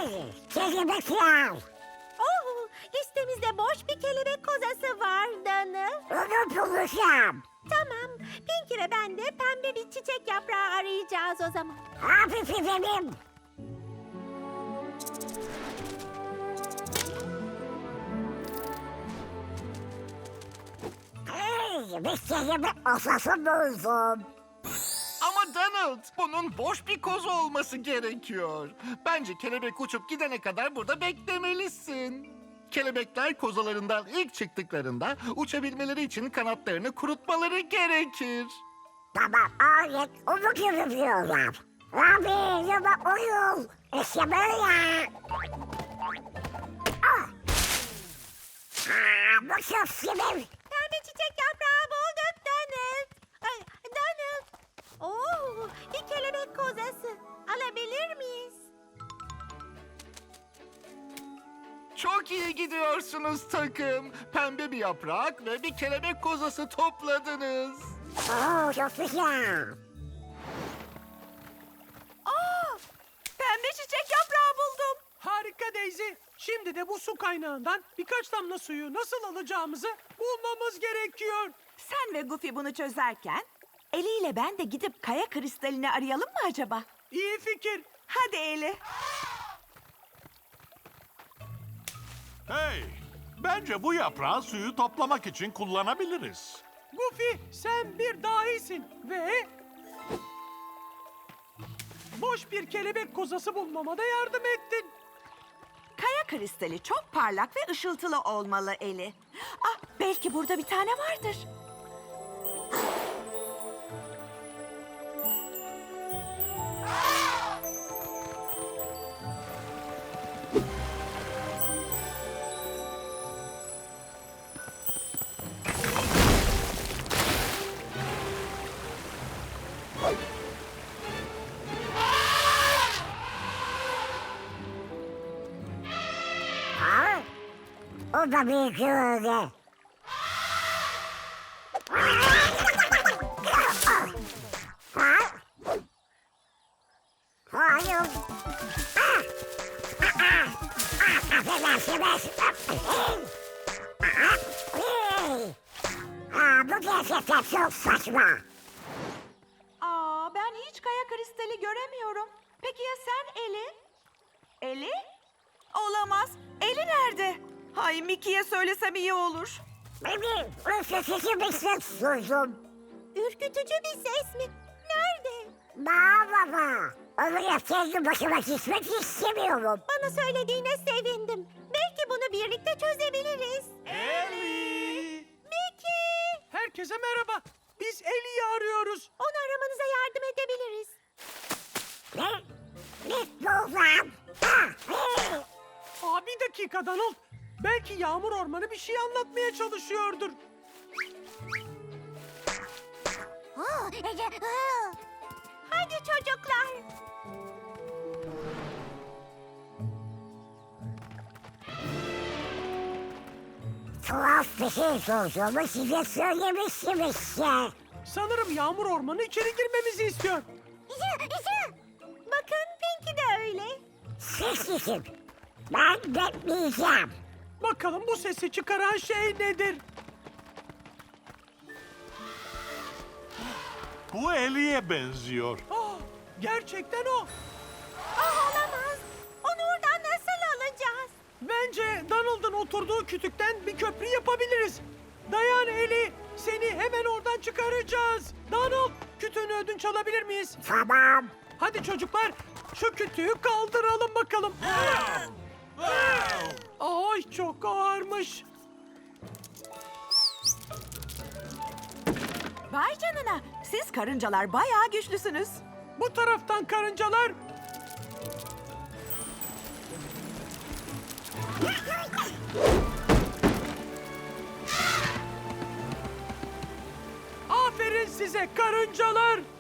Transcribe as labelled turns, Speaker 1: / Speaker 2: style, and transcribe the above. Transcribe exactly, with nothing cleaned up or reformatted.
Speaker 1: Kelebekler.
Speaker 2: Oh, listemizde boş bir kelebek kozası var Danıl.
Speaker 1: Onu bulacağım.
Speaker 2: Tamam, Pinky ve ben de pembe bir çiçek yaprağı arayacağız o zaman.
Speaker 1: Hafif efendim. Hey, bir kelebek osası buldum.
Speaker 3: Ama Donald, bunun boş bir kozu olması gerekiyor. Bence kelebek uçup gidene kadar burada beklemelisin. Kelebekler kozalarından ilk çıktıklarında uçabilmeleri için kanatlarını kurutmaları gerekir.
Speaker 1: Tamam, alet onu görüyorlar. Abi, yama uyul. İşte böyle. Ah! Aa, bu çok sinir.
Speaker 2: Pembe çiçek yaprağı bulduk Donald. Ay, Donald. Oo, bir kelebek kozası. Alabilir miyiz?
Speaker 3: Çok iyi gidiyorsunuz takım. Pembe bir yaprak ve bir kelebek kozası topladınız.
Speaker 1: Oo, çok güzel.
Speaker 2: Aa, pembe çiçek yaprağı buldum.
Speaker 4: Harika Daisy. Şimdi de bu su kaynağından birkaç damla suyu nasıl alacağımızı bulmamız gerekiyor.
Speaker 5: Sen ve Goofy bunu çözerken Eli ile ben de gidip kaya kristalini arayalım mı acaba?
Speaker 4: İyi fikir.
Speaker 5: Hadi Eli.
Speaker 6: Hey, bence bu yaprağı suyu toplamak için kullanabiliriz.
Speaker 4: Goofy, sen bir dahisin ve boş bir kelebek kozası bulmama da yardım ettin.
Speaker 5: Kaya kristali çok parlak ve ışıltılı olmalı Eli. Ah, belki burada bir tane vardır.
Speaker 1: Ha? O da bir öyle. Ha? Hayır. Ah! Ah, ah! Ah, affedersiniz. Ah, hey! Aa, bu gerçekten çok saçma.
Speaker 5: Aa, ben hiç kaya kristali göremiyorum. Peki ya sen Eli? Eli? Olamaz. Eli nerede? Hay, Mickey'ye söylesem iyi olur.
Speaker 1: Benim ürkütücü bir ses duydum.
Speaker 2: Ürkütücü bir ses mi? Nerede?
Speaker 1: Baba, oraya kendi başıma gitmek istemiyorum.
Speaker 2: Bana söylediğine sevindim. Belki bunu birlikte çözebiliriz.
Speaker 4: Eli!
Speaker 2: Mickey!
Speaker 4: Herkese merhaba. Biz Eli'yi arıyoruz.
Speaker 2: Onu aramanıza yardım edebiliriz.
Speaker 1: Ne? Ne oldu? Ah, hey!
Speaker 4: Aa, bir dakika Donald. Belki Yağmur Ormanı bir şey anlatmaya çalışıyordur.
Speaker 2: Hadi çocuklar.
Speaker 1: Tuhaf bir şey sorduğumu size söylemiştim işte.
Speaker 4: Sanırım Yağmur Ormanı içeri girmemizi istiyor.
Speaker 2: Bakın Pinky de öyle.
Speaker 1: Siz gidin. Ben bekleyeceğim.
Speaker 4: Bakalım bu sesi çıkaran şey nedir?
Speaker 6: Bu Eli'ye benziyor.
Speaker 4: Aa, gerçekten o.
Speaker 2: Ah, olamaz. Onu oradan nasıl alacağız?
Speaker 4: Bence Donald'ın oturduğu kütükten bir köprü yapabiliriz. Dayan Eli, seni hemen oradan çıkaracağız. Donald, kütüğünü ödünç alabilir miyiz?
Speaker 1: Tamam.
Speaker 4: Hadi çocuklar, şu kütüğü kaldıralım bakalım. Ay, çok ağırmış.
Speaker 5: Vay canına. Siz karıncalar bayağı güçlüsünüz.
Speaker 4: Bu taraftan karıncalar. Aferin size karıncalar.